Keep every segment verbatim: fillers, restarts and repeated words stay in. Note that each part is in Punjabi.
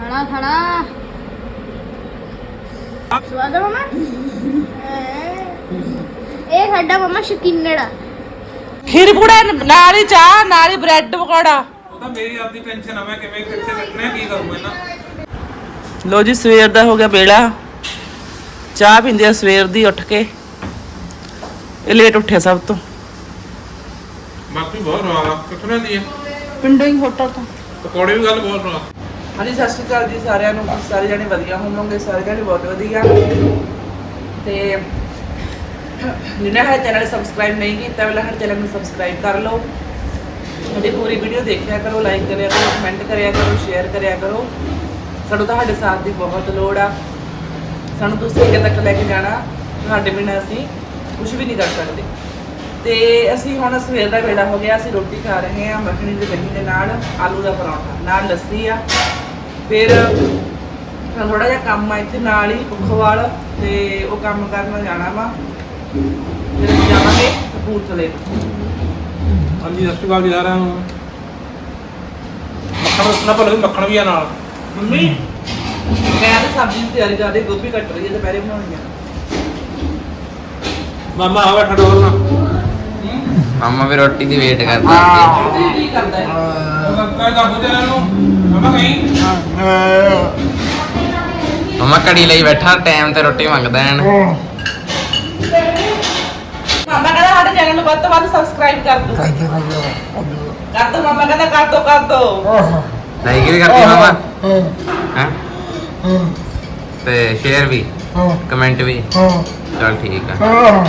ਖਾਣਾ ਖਾਣਾ ਸਵਾਦ ਆ ਮਮਾ ਇਹ ਸਾਡਾ ਮਮਾ ਸ਼ਕੀਨੜਾ ਖੀਰ ਪੂੜਾ ਨਾਲ ਹੀ ਚਾਹ ਨਾਲ ਹੀ ਬ੍ਰੈਡ ਪਕੌੜਾ ਉਹ ਤਾਂ ਮੇਰੀ ਆਪਦੀ ਟੈਨਸ਼ਨ ਆ ਮੈਂ ਕਿਵੇਂ ਕਿੱਥੇ ਰੱਖਣਾ ਕੀ ਕਰੂੰ ਇਹਨਾਂ ਲੋ ਜੀ ਸਵੇਰ ਦਾ ਹੋ ਗਿਆ ਵੇਲਾ ਚਾਹ ਪੀਂਦੇ ਆ ਸਵੇਰ ਦੀ ਉੱਠ ਕੇ ਇਹ ਲੇਟ ਉੱਠਿਆ ਸਭ ਤੋਂ ਬਾਕੀ ਬਹੁਤ ਰਵਾ ਆ ਕਿੱਥੋਂ ਦੀ ਹੈ ਪਿੰਡੋਂ ਹੀ ਹੋਟਲ ਤੋਂ ਪਕੌੜੇ ਵੀ ਗੱਲ ਬਹੁਤ ਰਵਾ ਹਾਂਜੀ ਸਤਿ ਸ਼੍ਰੀ ਅਕਾਲ ਜੀ ਸਾਰਿਆਂ ਨੂੰ ਸਾਰੇ ਜਣੇ ਵਧੀਆ ਹੋਵੋਗੇ ਸਾਰੇ ਜਣੇ ਬਹੁਤ ਵਧੀਆ ਤੇ ਜਿਹਨੇ ਸਾਡੇ ਚੈਨਲ ਸਬਸਕ੍ਰਾਈਬ ਨਹੀਂ ਕੀਤਾ ਪਹਿਲਾਂ ਸਾਡੇ ਚੈਨਲ ਨੂੰ ਸਬਸਕ੍ਰਾਈਬ ਕਰ ਲਓ ਸਾਡੀ ਪੂਰੀ ਵੀਡੀਓ ਦੇਖਿਆ ਕਰੋ ਲਾਈਕ ਕਰਿਆ ਕਰੋ ਕਮੈਂਟ ਕਰਿਆ ਕਰੋ ਸ਼ੇਅਰ ਕਰਿਆ ਕਰੋ ਸਾਨੂੰ ਤੁਹਾਡੇ ਸਾਥ ਦੀ ਬਹੁਤ ਲੋੜ ਆ ਸਾਨੂੰ ਤੁਸੀਂ ਅੱਗੇ ਤੱਕ ਲੈ ਕੇ ਜਾਣਾ ਤੁਹਾਡੇ ਬਿਨਾਂ ਅਸੀਂ ਕੁਝ ਵੀ ਨਹੀਂ ਕਰ ਸਕਦੇ ਤੇ ਅਸੀਂ ਹੁਣ ਸਵੇਰ ਦਾ ਵੇਲਾ ਹੋ ਗਿਆ ਅਸੀਂ ਰੋਟੀ ਖਾ ਰਹੇ ਹਾਂ ਮੱਖਣੀ ਦੀ ਦਹੀਂ ਦੇ ਨਾਲ ਆਲੂ ਦਾ ਪਰੌਂਠਾ ਨਾਲ ਲੱਸੀ ਆ ਫਿਰ ਥੋੜਾ ਜਿਹਾ ਕੰਮ ਆ ਇੱਥੇ ਨਾਲ ਹੀ ਪੁੱਖਵਾਲ ਤੇ ਉਹ ਕੰਮ ਕਰਨ ਜਾਣਾ ਵਾ ਫਿਰ ਅਸੀਂ ਜਾਵਾਂਗੇ ਕਪੂਰਥਲੇ ਹਾਂਜੀ ਸਤਿ ਸ਼੍ਰੀ ਅਕਾਲ ਜੀ ਸਾਰਿਆਂ ਨੂੰ ਮੱਖਣ ਦੱਸਣਾ ਭਲੇ ਮੱਖਣ ਵੀ ਆ ਨਾਲ ਮੰਮੀ ਮੈਂ ਤਾਂ ਸਬਜ਼ੀ ਦੀ ਤਿਆਰੀ ਕਰ ਰਹੀ ਗੋਭੀ ਕੱਟ ਰਹੀ ਹੈ ਦੁਪਹਿਰੇ ਬਣਾਉਣੀ ਆ ਮਾਮਾ ਆ ਬੈਠਾ ਡੋਰ ਨਾ ਮਾਮਾ ਵੀ ਰੋਟੀ ਦੀ ਵੇਟ ਕਰਦਾ ਹੈ ਕੀ ਕਰਦਾ ਹੈ काय ਕਰ ਬੁੱਝੇ ਨੂੰ ਮਾਮਾ ਕਹੀਂ ਮਾਮਾ ਘੜੀ ਲਈ ਬੈਠਾ ਟਾਈਮ ਤੇ ਰੋਟੀ ਮੰਗਦਾ ਹੈ ਮਾਮਾ ਕਹਿੰਦਾ ਸਾਡੇ ਚੈਨਲ ਨੂੰ ਵੱਧ ਤੋਂ ਵੱਧ ਸਬਸਕ੍ਰਾਈਬ ਕਰ ਦਿਓ ਕਰ ਦਿਓ ਮਾਮਾ ਕਹਿੰਦਾ ਕਰ ਦਿਓ ਕਰ ਦਿਓ ਲਾਈਕ ਵੀ ਕਰਦੀ ਮਾਮਾ ਹਾਂ ਤੇ ਸ਼ੇਅਰ ਵੀ ਕਮੈਂਟ ਵੀ ਚਲ ਠੀਕ ਆ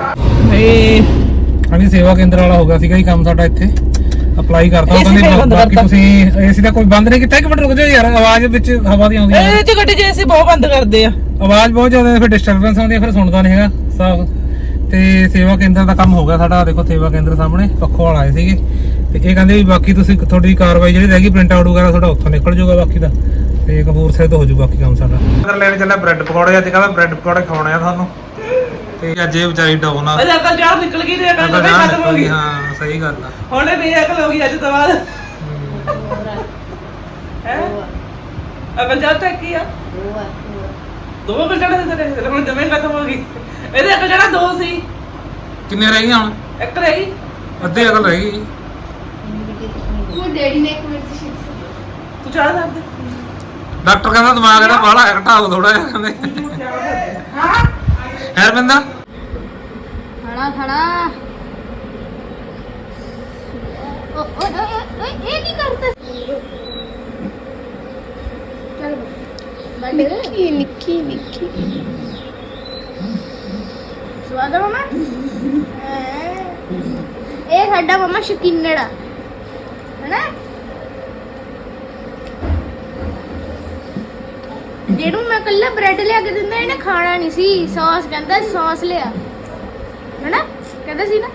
ਹਾਂਜੀ ਸੇਵਾ ਕੇਂਦਰ ਵਾਲਾ ਹੋ ਗਿਆ ਸੀਗਾ ਜੀ ਕੰਮ ਸਾਡਾ ਇੱਥੇ ਅਪਲਾਈ ਕਰਤਾ ਉਹ ਏਸੀ ਕਹਿੰਦੇ ਬੰਦ ਬਾਕੀ ਕਰਤਾ। ਤੁਸੀਂ ਏਸੀ ਦਾ ਕੋਈ ਬੰਦ ਨਹੀਂ ਕੀਤਾ ਇੱਕ ਮਿੰਟ ਰੁਕ ਜਾਓ ਯਾਰ ਆਵਾਜ਼ ਵਿੱਚ ਹਵਾ ਦੀ ਆਉਂਦੀ ਹੈ ਇਹ ਚ ਗੱਡੀ ਜੇ ਅਸੀਂ ਬਹੁਤ ਬੰਦ ਕਰਦੇ ਆ ਆਵਾਜ਼ ਬਹੁਤ ਜ਼ਿਆਦਾ ਹੈ, ਫਿਰ ਡਿਸਟਰਬੈਂਸ ਆਉਂਦੀ ਹੈ, ਫਿਰ ਸੁਣਦਾ ਨਹੀਂ ਹੈਗਾ ਸਾਫ ਤੇ ਸੇਵਾ ਕੇਂਦਰ ਦਾ ਕੰਮ ਹੋ ਗਿਆ ਸਾਡਾ ਦੇਖੋ ਸੇਵਾ ਕੇਂਦਰ ਸਾਹਮਣੇ ਪੱਖੋਂ ਵਾਲ ਆਏ ਸੀਗੇ ਤੇ ਇਹ ਕਹਿੰਦੇ ਵੀ ਬਾਕੀ ਤੁਸੀਂ ਤੁਹਾਡੀ ਕਾਰਵਾਈ ਜਿਹੜੀ ਰਹਿ ਗਈ ਪ੍ਰਿੰਟ ਆਊਟ ਵਗੈਰਾ ਤੁਹਾਡਾ ਉੱਥੋਂ ਨਿਕਲ ਜਾਊਗਾ ਬਾਕੀ ਦਾ ਤੇ ਕਪੂਰਥਲੇ ਤੋਂ ਹੋ ਜਾਊ ਬਾਕੀ ਕੰਮ ਸਾਡਾ ਅਗਰ ਲੈਣ ਚੱਲਿਆ ਬ੍ਰੈਡ ਪਕੌੜੇ ਅੱਜ ਕਹਿੰਦਾ ਬ੍ਰੈਡ ਪਕੌੜੇ ਖਵਾਉਣੇ ਆ ਤੁਹਾਨੂੰ ਤੇ ਅੱਜ ਇਹ ਵਿਚਾਰੀ ਡਾਉਨ ਆ ਅਜੇ ਅਕਲ ਜਾਣ ਨਿਕਲ ਗਈ ਤੇ ਅਕਲ ਜਮੇ ਖਤਮ ਹੋ ਗਈ ਹਾਂ ਸਹੀ ਗੱਲ ਆ ਹੁਣ ਇਹ ਬੇਅਕਲ ਹੋ ਗਈ ਅੱਜ ਤੋਂ ਬਾਅਦ ਹੈ ਅਕਲ ਜਾਣ ਤੱਕ ਕੀ ਆ ਦੋ ਅਕਲ ਜਾਣਾ ਤੇ ਤੇਰੇ ਹੁਣ ਜਮੇ ਖਤਮ ਹੋ ਗਈ ਇਹਦੇ ਅਕਲ ਜਾਣਾ ਦੋ ਸੀ ਕਿੰਨੇ ਰਹਿ ਗਈਆਂ ਹੁਣ ਇੱਕ ਰਹਿ ਗਈ ਅੱਧੀ ਅਕਲ ਰਹਿ ਗਈ ਉਹ ਡੈਡੀ ਨੇ ਇੱਕ ਮਿੰਟ ਸੀ ਤੂੰ ਚਾਹ ਦੱਸ ਦੇ ਡਾਕਟਰ ਕਹਿੰਦਾ ਦਿਮਾਗ ਇਹਦਾ ਬਾਹਲਾ ਘਟਾਓ ਥੋੜਾ ਜਿਹਾ ਕਹਿੰਦੇ ਹਾਂ ਹੈ ਰਵਿੰਦਰ ਖਾਣਾ ਖਾਣਾ ਓਏ ਓਏ ਇਹ ਕੀ ਕਰਦਾ ਚਲ ਨਿੱਕੀ ਨਿੱਕੀ ਨਿੱਕੀ ਸਵਾਦ ਆ ਮਮਾ ਇਹ ਸਾਡਾ ਮਮਾ ਸ਼ਕੀਨੜਾ ਹੈਨਾ ਜਿਹਨੂੰ ਮੈਂ ਕੱਲਾ ਬ੍ਰੈਡ ਲਿਆ ਕੇ ਦਿੰਦਾ ਇਹਨੇ ਖਾਣਾ ਨਹੀਂ ਸੀ ਸੌਸ ਕਹਿੰਦਾ ਸੌਸ ਲਿਆ ਹੈਨਾ ਕਹਿੰਦਾ ਸੀ ਨਾ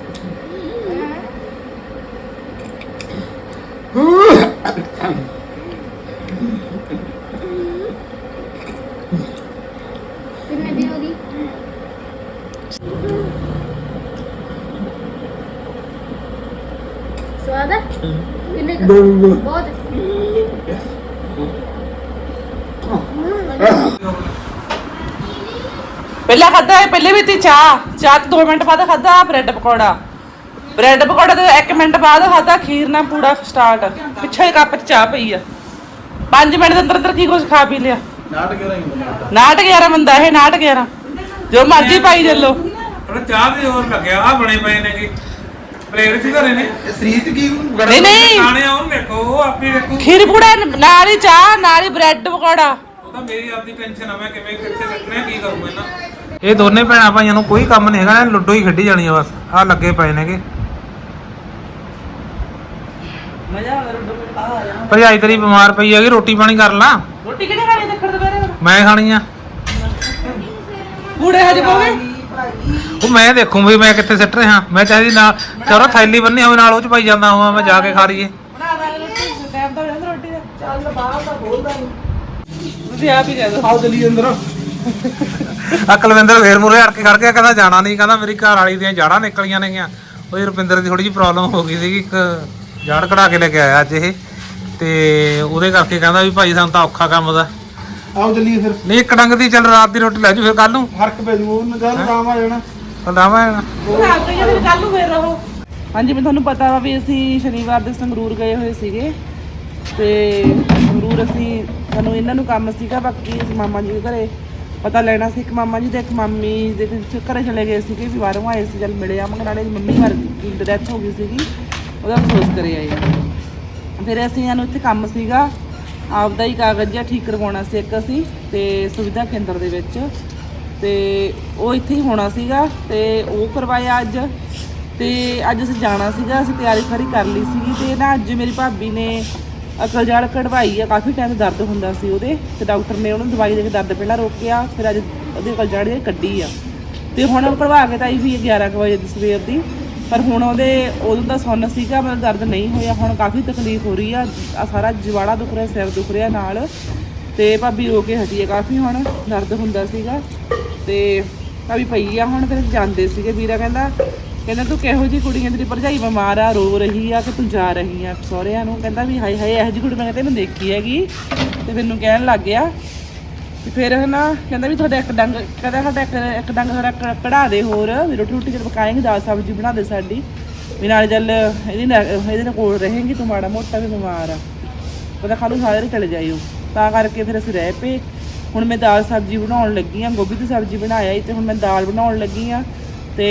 ਕਿੰਨੇ ਦੀ ਹੋ ਗਈ ਸਵਾਦ ਹੈ ਕਿੰਨੇ ਦਾ ਬਹੁਤ ਪਹਿਲਾਂ ਖਾਦਾ ਹੈ ਪਹਿਲੇ ਵੀ ਤੇ ਚਾਹ ਚਾਹ ਤੋਂ ਦੋ ਮਿੰਟ ਬਾਅਦ ਖਾਦਾ ਬ੍ਰੈਡ ਪਕੌੜਾ ਬ੍ਰੈਡ ਪਕੌੜਾ ਤੇ ਇੱਕ ਮਿੰਟ ਬਾਅਦ ਖਾਦਾ ਖੀਰ ਨਾਲ ਪੂੜਾ ਸਟਾਰਟ ਪਿੱਛੇ ਕੱਪ ਚ ਚਾਹ ਪਈ ਆ ਪੰਜ ਮਿੰਟ ਦੇ ਅੰਦਰ ਅੰਦਰ ਕੀ ਕੁਝ ਖਾ ਪੀ ਲਿਆ ਨਾਟ ਗਿਆਰਾਂ ਬੰਦਾ ਇਹ ਨਾਟ ਗਿਆਰਾਂ ਜੋ ਮਰਜ਼ੀ ਪਾਈ ਦੇ ਲੋ ਥੋੜਾ ਚਾਹ ਵੀ ਹੋਰ ਲੱਗਿਆ ਆ ਬਣੇ ਪਏ ਨੇ ਕਿ ਪਲੇਟ ਚ ਘਰੇ ਨੇ ਇਹ ਸਰੀਰ ਕੀ ਨਹੀਂ ਨਹੀਂ ਖਾਣੇ ਆ ਉਹ ਦੇਖੋ ਉਹ ਆਪੀ ਦੇਖੋ ਖੀਰ ਪੂੜਾ ਨਾਲ ਹੀ ਚਾਹ ਨਾਲ ਹੀ ਬ੍ਰੈਡ ਪਕੌੜਾ ਉਹ ਤਾਂ ਮੇਰੀ ਆਪਦੀ ਟੈਨਸ਼ਨ ਆ ਮੈਂ ਕਿਵੇਂ ਕਿੱਥੇ ਰੱਖਣਾ ਕੀ ਕਰੂੰ ਇਹਨਾਂ ਇਹ ਦੋਨੇ ਭੈਣਾਂ ਭਾਈਆਂ ਨੂੰ ਕੋਈ ਕੰਮ ਨਹੀਂ ਹੈਗਾ ਲੁੱਡੋ ਹੀ ਖੇਡੀ ਜਾਣੀ ਆ ਬਸ ਆ ਲੱਗੇ ਪਏ ਨੇਗੇ ਮਜ਼ਾ ਆ ਰਿਹਾ ਆ ਆ ਭਰਜਾਈ ਤੇਰੀ ਬਿਮਾਰ ਪਈ ਹੈਗੀ ਰੋਟੀ ਪਾਣੀ ਕਰ ਲਾ ਰੋਟੀ ਕਿਹਨੇ ਖਾਣੀ ਦੇਖੜ ਦੁਪਹਿਰੇ ਮੈਂ ਖਾਣੀ ਆ ਕੂੜੇ ਹਜੇ ਪਾਵੇ ਉਹ ਮੈਂ ਦੇਖੂੰ ਵੀ ਮੈਂ ਕਿੱਥੇ ਸਿੱਟ ਰਿਹਾ ਮੈਂ ਚਾਹੀਦੀ ਨਾਲ ਚਲੋ ਥੈਲੀ ਬੰਨੀ ਹੋਵੇ ਨਾਲ ਉਹ ਚ ਪਾਈ ਜਾਂਦਾ ਹਾਂ ਮੈਂ ਜਾ ਕੇ ਖਾ ਲਈਏ ਬਣਾ ਦਾਂਗੇ ਰੋਟੀ ਟਾਈਮ ਤਾਂ ਹੋ ਜਾਂਦਾ ਰੋਟੀ ਦਾ ਚੱਲ ਬਾਹਰ ਦਾ ਬੋਲਦਾ ਨਹੀਂ ਤੁਸੀਂ ਆਪ ਹੀ ਜਾ ਦੋ ਆਓ ਚਲੀ ਅੰਦਰ ਆ ਕੁਲਵਿੰਦਰ ਫੇਰ ਮੁਰੇ ਅੜ ਕੇ ਖੜ ਗਿਆ ਕਹਿੰਦਾ ਜਾਣਾ ਨਹੀਂ ਕਹਿੰਦਾ ਮੇਰੀ ਘਰ ਵਾਲੀ ਦੀਆਂ ਜਾੜਾਂ ਨਿਕਲੀਆਂ ਨੇਗੀਆਂ ਉਹ ਰੁਪਿੰਦਰ ਦੀ ਥੋੜੀ ਜਿਹੀ ਪ੍ਰੋਬਲਮ ਹੋ ਗਈ ਸੀਗੀ ਇੱਕ ਜਾੜ ਕਢਾ ਕੇ ਲੈ ਕੇ ਆਇਆ ਅੱਜ ਇਹ ਤੇ ਉਹਦੇ ਕਰਕੇ ਕਹਿੰਦਾ ਵੀ ਭਾਈ ਸਾਨੂੰ ਤਾਂ ਔਖਾ ਕੰਮ ਦਾ। ਆਓ ਚੱਲੀਏ ਫਿਰ। ਨਹੀਂ ਇੱਕ ਡੰਗ ਦੀ ਚੱਲ ਰਾਤ ਦੀ ਰੋਟੀ ਲੈ ਜੂ ਫਿਰ ਕੱਲ ਨੂੰ ਫਰਕ ਪੈ ਜੂ ਉਹਨੂੰ ਜਦ ਆਰਾਮ ਆ ਜਾਣਾ। ਲਾਵਾ ਕੱਲ ਨੂੰ ਫੇਰ ਰਹੋ। ਹਾਂਜੀ ਮੈਂ ਤੁਹਾਨੂੰ ਪਤਾ ਵਾ ਵੀ ਅਸੀਂ ਸ਼ਨੀਵਾਰ ਦੇ ਸੰਗਰੂਰ ਗਏ ਹੋਏ ਸੀਗੇ ਤੇ ਸੰਗਰੂਰ ਅਸੀਂ ਸਾਨੂੰ ਇਹਨਾਂ ਨੂੰ ਕੰਮ ਸੀਗਾ। ਬਾਕੀ ਅਸੀਂ ਮਾਮਾ ਜੀ ਦੇ ਘਰੇ ਪਤਾ ਲੈਣਾ ਸੀ। ਇੱਕ ਮਾਮਾ ਜੀ ਤੇ ਇੱਕ ਮਾਮੀ ਦੇ ਘਰੇ ਚਲੇ ਗਏ ਸੀਗੇ ਵੀ ਬਾਹਰੋਂ ਆਏ ਸੀ। ਚੱਲ ਮਿਲੇ ਆ ਨਾਲੇ ਮੰਮੀ ਮਰ ਗਈ, ਡੈਥ ਹੋ ਗਈ ਸੀਗੀ, ਉਹਦਾ ਅਫਸੋਸ ਕਰੇ ਆਏ। ਫਿਰ ਅਸੀਂ ਇਹਨੂੰ ਇੱਥੇ ਕੰਮ ਸੀਗਾ ਆਪਦਾ ਹੀ ਕਾਗਜ਼ ਜਿਹਾ ਠੀਕ ਕਰਵਾਉਣਾ ਸੀ ਇੱਕ ਅਸੀਂ ਤੇ ਸੁਵਿਧਾ ਕੇਂਦਰ ਦੇ ਵਿੱਚ, ਤੇ ਉਹ ਇੱਥੇ ਹੀ ਹੋਣਾ ਸੀਗਾ ਤੇ ਉਹ ਕਰਵਾਇਆ ਅੱਜ। ਤੇ ਅੱਜ ਅਸੀਂ ਜਾਣਾ ਸੀਗਾ, ਅਸੀਂ ਤਿਆਰੀ ਸਾਰੀ ਕਰ ਲਈ ਸੀਗੀ। ਤੇ ਨਾ ਅੱਜ ਮੇਰੀ ਭਾਬੀ ਨੇ ਅਕਲ ਜੜ ਕਢਵਾਈ ਆ। ਕਾਫੀ ਟਾਈਮ ਦਰਦ ਹੁੰਦਾ ਸੀ ਉਹਦੇ ਤੇ ਡਾਕਟਰ ਨੇ ਉਹਨੂੰ ਦਵਾਈ ਦੇ ਕੇ ਦਰਦ ਪਹਿਲਾਂ ਰੋਕਿਆ, ਫਿਰ ਅੱਜ ਉਹਦੀ ਅਕਲ ਜੜ ਜਿਹੜੀ ਕੱਢੀ ਆ। ਤੇ ਹੁਣ ਉਹ ਕਢਵਾ ਕੇ ਤਾਂ ਆਈ ਵੀ ਗਿਆਰਾਂ ਕੁ ਵਜੇ ਦੀ ਸਵੇਰ ਦੀ, ਪਰ ਹੁਣ ਉਹਦੇ ਉਦੋਂ ਦਾ ਸੁੰਨ ਸੀਗਾ, ਮਤਲਬ ਦਰਦ ਨਹੀਂ ਹੋਇਆ। ਹੁਣ ਕਾਫੀ ਤਕਲੀਫ ਹੋ ਰਹੀ ਆ, ਆ ਸਾਰਾ ਜਵਾੜਾ ਦੁਖ ਰਿਹਾ, ਸਿਰ ਦੁਖ ਰਿਹਾ ਨਾਲ। ਤੇ ਭਾਬੀ ਰੋ ਕੇ ਹਟੀ ਆ ਕਾਫੀ, ਹੁਣ ਦਰਦ ਹੁੰਦਾ ਸੀਗਾ ਤੇ ਭਾਬੀ ਪਈ ਆ। ਹੁਣ ਫਿਰ ਜਾਂਦੇ ਸੀਗੇ, ਵੀਰਾ ਕਹਿੰਦਾ ਕਹਿੰਦਾ ਤੂੰ ਕਿਹੋ ਜਿਹੀ ਕੁੜੀ ਆ, ਤੇਰੀ ਭਰਜਾਈ ਬਿਮਾਰ ਆ, ਰੋ ਰਹੀ ਆ ਕਿ ਤੂੰ ਜਾ ਰਹੀ ਆ ਸਹੁਰਿਆਂ ਨੂੰ। ਕਹਿੰਦਾ ਵੀ ਹਾਏ ਹਾਏ ਇਹੋ ਜਿਹੀ ਕੁੜੀ ਮੈਂ ਤੈਨੂੰ ਦੇਖੀ ਹੈਗੀ। ਤੇ ਮੈਨੂੰ ਕਹਿਣ ਲੱਗ ਗਿਆ ਤੇ ਫਿਰ ਨਾ ਕਹਿੰਦਾ ਵੀ ਤੁਹਾਡਾ ਇੱਕ ਡੰਗ ਕਹਿੰਦਾ ਸਾਡਾ ਇੱਕ ਇੱਕ ਡੰਗ ਸਾਡਾ ਕ- ਕਢਾ ਦੇ ਹੋਰ, ਵੀ ਰੋਟੀ ਰੋਟੀ ਜਦ ਪਕਾਏਂਗੇ ਦਾਲ ਸਬਜ਼ੀ ਬਣਾ ਦੇ ਸਾਡੀ, ਵੀ ਨਾਲ ਚੱਲ ਇਹਦੀ ਨਾਲ ਇਹਦੇ ਨਾਲ ਕੋਲ ਰਹੇਂਗੀ, ਤੂੰ ਮਾੜਾ ਮੋਟਾ ਵੀ ਬਿਮਾਰ ਆ, ਕਹਿੰਦਾ ਖਾਲੂ ਸਾਰੇ ਦਿਨ ਚਲੇ ਜਾਇਓ। ਤਾਂ ਕਰਕੇ ਫਿਰ ਅਸੀਂ ਰਹਿ ਪਏ। ਹੁਣ ਮੈਂ ਦਾਲ ਸਬਜ਼ੀ ਬਣਾਉਣ ਲੱਗੀ ਆ, ਗੋਭੀ ਦੀ ਸਬਜ਼ੀ ਬਣਾਇਆ ਸੀ ਤੇ ਹੁਣ ਮੈਂ ਦਾਲ ਬਣਾਉਣ ਲੱਗੀ ਆ। ਤੇ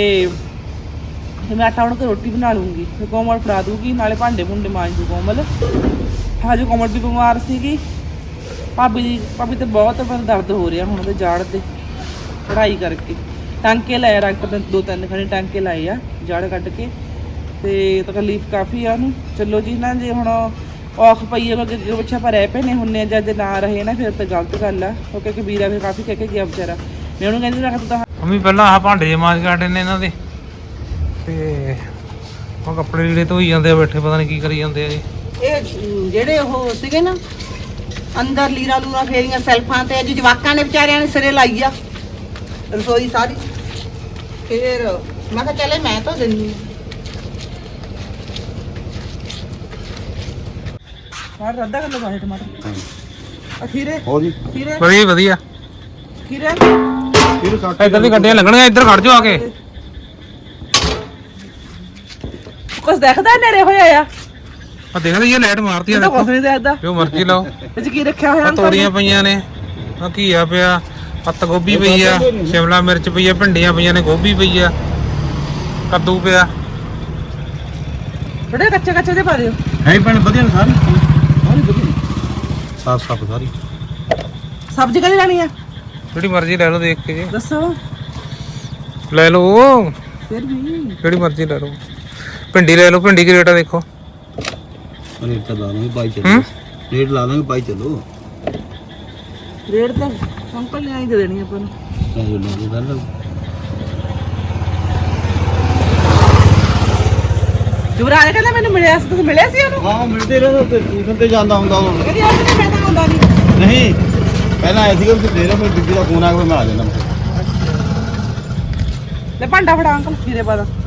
ਤੇ ਮੈਂ ਆਟਾ ਉਣ ਕੇ ਰੋਟੀ ਬਣਾ ਲੂੰਗੀ, ਫਿਰ ਕੋਮਲ ਫੜਾ ਦੂਗੀ, ਨਾਲੇ ਭਾਂਡੇ ਭੁੰਡੇ ਮਾਂਜ ਦੂ ਕੋਮਲ। ਹਜੇ ਕੋਮਲ ਵੀ ਬਿਮਾਰ ਸੀਗੀ। ਭਾਬੀ ਦੀ ਭਾਬੀ ਤੇ ਬਹੁਤ ਦਰਦ ਹੋ ਰਿਹਾ ਹੁਣ ਉਹਦੇ ਜਾੜ ਦੇ ਪੜ੍ਹਾਈ ਕਰਕੇ। ਟਾਂਕੇ ਲਾਏ ਡਾਕਟਰ ਨੇ, ਦੋ ਤਿੰਨ ਖਣੇ ਟਾਂਕੇ ਲਾਏ ਆ ਜੜ ਕੱਢ ਕੇ, ਤੇ ਤਕਲੀਫ ਕਾਫੀ ਆ ਉਹਨੂੰ। ਚਲੋ ਜੀ ਨਾ, ਜੇ ਹੁਣ ਔਖ ਪਈ ਹੈ ਅੱਗੇ ਪਿੱਛੇ ਆਪਾਂ ਰਹਿ ਪਏ ਨੇ ਹੁੰਨੇ, ਜਦ ਨਾ ਰਹੇ ਨਾ ਫਿਰ ਤਾਂ ਗਲਤ ਗੱਲ ਆ। ਉਹ ਕਿਉਂਕਿ ਵੀਰਾ ਫਿਰ ਕਾਫੀ ਕਹਿ ਕੇ ਗਿਆ ਵਿਚਾਰਾ। ਮੈਂ ਉਹਨੂੰ ਕਹਿੰਦੀ ਮੈਂ ਤੂੰ ਤਾਂ ਮੰਮੀ ਪਹਿਲਾਂ ਆਹ ਭਾਂਡੇ ਜੇ ਮਾਂਜ ਕੱਢੇ ਨੇ ਇਹਨਾਂ ਦੇ, ਤੇ ਉਹ ਕੱਪੜੇ ਜਿਹੜੇ ਧੋਈ ਜਾਂਦੇ ਆ ਬੈਠੇ, ਪਤਾ ਨਹੀਂ ਕੀ ਕਰੀ ਜਾਂਦੇ ਆ ਜੀ। ਇਹ ਜਿਹੜੇ ਉਹ ਸੀਗੇ ਨਾ ਅੰਦਰ ਲੀਰਾ ਲੂਰਾ ਫੇਰੀਆਂ ਸੈਲਫਾਂ ਤੇ, ਅੱਜ ਜਵਾਕਾਂ ਨੇ ਵਿਚਾਰਿਆਂ ਨੇ ਸਿਰੇ ਲਾਈ ਆ ਰਸੋਈ ਸਾਰੀ। ਫਿਰ ਮੈਂ ਕਿਹਾ ਚੱਲੇ ਮੈਂ ਤਾਂ ਦਿੰਦੀ ਮਾਰ ਅੱਧਾ ਕਿਲੋ ਪਾਏ ਟਮਾਟਰ। ਖੀਰੇ ਹੋ ਜੀ ਖੀਰੇ ਵਧੀਆ ਵਧੀਆ। ਖੀਰੇ ਫਿਰ ਕੱਟ ਇੱਧਰ ਦੀ ਗੱਡੀਆਂ ਲੱਗਣਗੀਆਂ, ਇੱਧਰ ਖੜ ਜਾਓ ਆ ਕੇ। ਕੁਛ ਦੇਖਦਾ ਨੇੜੇ ਹੋਇਆ ਆ, ਆ ਦੇਖ ਲਈ ਇਹ ਲਾਈਟ ਮਾਰਤੀ ਆ, ਤਾਂ ਕੁਛ ਦੇਖੋ ਨਹੀਂ ਦੇਖਦਾ। ਜੋ ਮਰਜ਼ੀ ਲਾਓ। ਵਿੱਚ ਕੀ ਰੱਖਿਆ ਹੋਇਆ ਆ ਤੋਰੀਆਂ ਪਈਆਂ ਨੇ, ਆ ਘੀਆ ਪਿਆ, ਪੱਤ ਗੋਭੀ ਪਈ ਆ, ਸ਼ਿਮਲਾ ਮਿਰਚ ਪਈ ਆ, ਭਿੰਡੀਆਂ ਪਈਆਂ ਨੇ, ਗੋਭੀ ਪਈ ਆ, ਕੱਦੂ ਪਿਆ। ਥੋੜੇ ਕੱਚੇ ਕੱਚੇ ਦੇ ਪਾ ਦਿਓ। ਹੈ ਭੈਣ ਵਧੀਆ ਨੇ ਸਾਰੀ ਸਾਰੀ ਵਧੀਆ ਸਾਫ ਸਾਫ ਸਾਰੀ। ਸਬਜ਼ੀ ਕਿਹੜੀ ਲੈਣੀ ਆ ਜਿਹੜੀ ਮਰਜ਼ੀ ਲੈ ਲਓ ਦੇਖ ਕੇ ਜੀ, ਦੱਸੋ। ਲੈ ਲਓ ਫਿਰ ਵੀ ਜਿਹੜੀ ਮਰਜ਼ੀ ਲੈ ਲਓ। ਭਿੰਡੀ ਲੈ ਲਓ, ਭਿੰਡੀ ਕੀ ਰੇਟ ਆ ਦੇਖੋ। ਰੇਟ ਤਾਂ ਲਾ ਲਾਂਗੇ ਬਾਈ ਚੱਲੋ, ਰੇਟ ਲਾ ਲਾਂਗੇ ਬਾਈ ਚੱਲੋ। ਰੇਟ ਤਾਂ ਅੰਕਲ ਨੇ ਆਈ ਦੇ ਦੇਣੀ ਆਪਾਂ ਨੂੰ। ਚਾਹੇ ਲੋਗੇ ਗੱਲ ਜੁਬਰਾਜ ਕਹਿੰਦਾ ਮੈਨੂੰ ਮਿਲਿਆ ਸੀ, ਤੁਸੀਂ ਮਿਲਿਆ ਸੀ ਉਹਨੂੰ? ਹਾਂ ਮਿਲਦੇ ਰਹੇ ਤੇ ਟਿਊਸ਼ਨ ਤੇ ਜਾਂਦਾ ਹੁੰਦਾ ਉਹ। ਕਹਿੰਦੀ ਉਹ ਤੇ ਮੈਂ ਤਾਂ ਆਉਂਦਾ ਨਹੀਂ। ਨਹੀਂ ਪਹਿਲਾਂ ਆਇਆ ਸੀਗਾ ਤੁਸੀਂ ਦੇ ਰਹੇ, ਫਿਰ ਬੀਬੀ ਦਾ ਫੋਨ ਆ ਗਿਆ, ਮੈਂ ਆ ਜਾਂਦਾ। ਲੈ ਭਾਂਡਾ ਫੜਾ ਅੰਕਲ ਖੀਰੇ ਪਾ ਦਾ।